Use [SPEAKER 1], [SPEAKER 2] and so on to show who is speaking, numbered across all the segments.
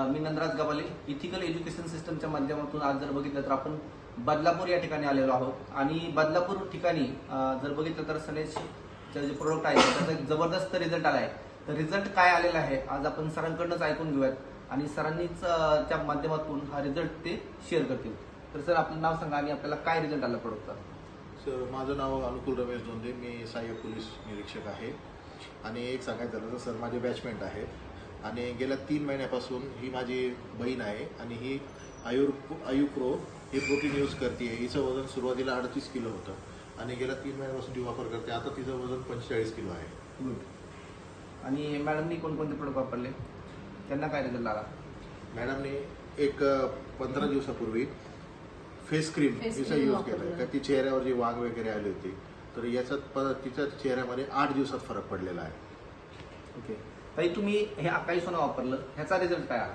[SPEAKER 1] मी Nandraj Gawale, ethical education सिस्टमच्या माध्यमातून आज जर बघितलं तर आपण बदलापूर या ठिकाणी आलेलो आहोत आणि बदलापूर ठिकाणी जर बघितलं तर सनेजचे जे प्रोडक्ट आहे त्याचा एक जबरदस्त रिझल्ट आला आहे. तर रिझल्ट काय आलेला आहे आज आपण सरांकडूनच ऐकून घेऊयात आणि सरांनीच त्या माध्यमातून हा रिझल्ट ते शेअर करतील. तर सर आपलं नाव सांगा आणि आपल्याला काय रिझल्ट आला प्रोडक्टचा.
[SPEAKER 2] सर माझं नाव अनुकूल रमेश दोंदे, मी सहाय्यक पोलीस निरीक्षक आहे. आणि एक सांगायचं झालं तर सर माझे बॅचमेट आहेत आणि गेल्या 3 महिन्यापासून ही माझी बहीण आहे आणि ही आयुप्रो हे प्रोटीन यूज करते. हिचं वजन सुरुवातीला 38 किलो होतं आणि गेल्या 3 महिन्यापासून ती वापर करते. आता तिचं वजन 45 किलो आहे.
[SPEAKER 1] गुड. आणि मॅडमनी कोणकोणते प्रोडक्ट वापरले, त्यांना काय रिझल्ट आला?
[SPEAKER 2] मॅडमने एक 15 दिवसापूर्वी फेस क्रीम हिचा यूज केला. ती चेहऱ्यावर जी वाघ वगैरे आली होती तर याच्यात तिच्या चेहऱ्यामध्ये 8 दिवसात फरक पडलेला आहे.
[SPEAKER 1] ओके ताई, तुम्ही हे अकाई सोना वापरलं, ह्याचा रिझल्ट काय आला?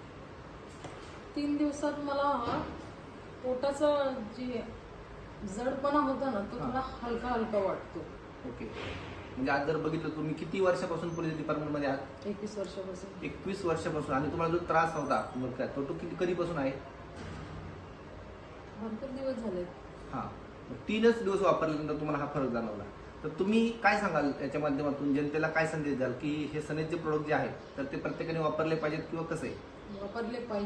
[SPEAKER 3] 3 दिवसात मला पोटाचा जे जडपणा होता ना तो थोडा हलका हलका वाटतो.
[SPEAKER 1] ओके, म्हणजे आज जर बघितलं तुम्ही किती वर्षापासून पोलीस डिपार्टमेंटमध्ये आहात?
[SPEAKER 3] 21 वर्षापासून.
[SPEAKER 1] 21 वर्षापासून. आणि तुम्हाला जो त्रास होता मग काय तो कधीपासून आहे?
[SPEAKER 3] भरपूर दिवस झाले.
[SPEAKER 1] हां, 3च दिवस वापरल्यानंतर तुम्हाला हा फरक जाणवला. तर तुम्ही काय सांगाल याच्या माध्यमातून जनतेला काय संदेश द्याल की हे सनेजचे प्रोडक्ट जे आहेत तर ते प्रत्येकाने वापरले पाहिजेत किंवा कसं आहे?
[SPEAKER 3] वापरले पाहिजे.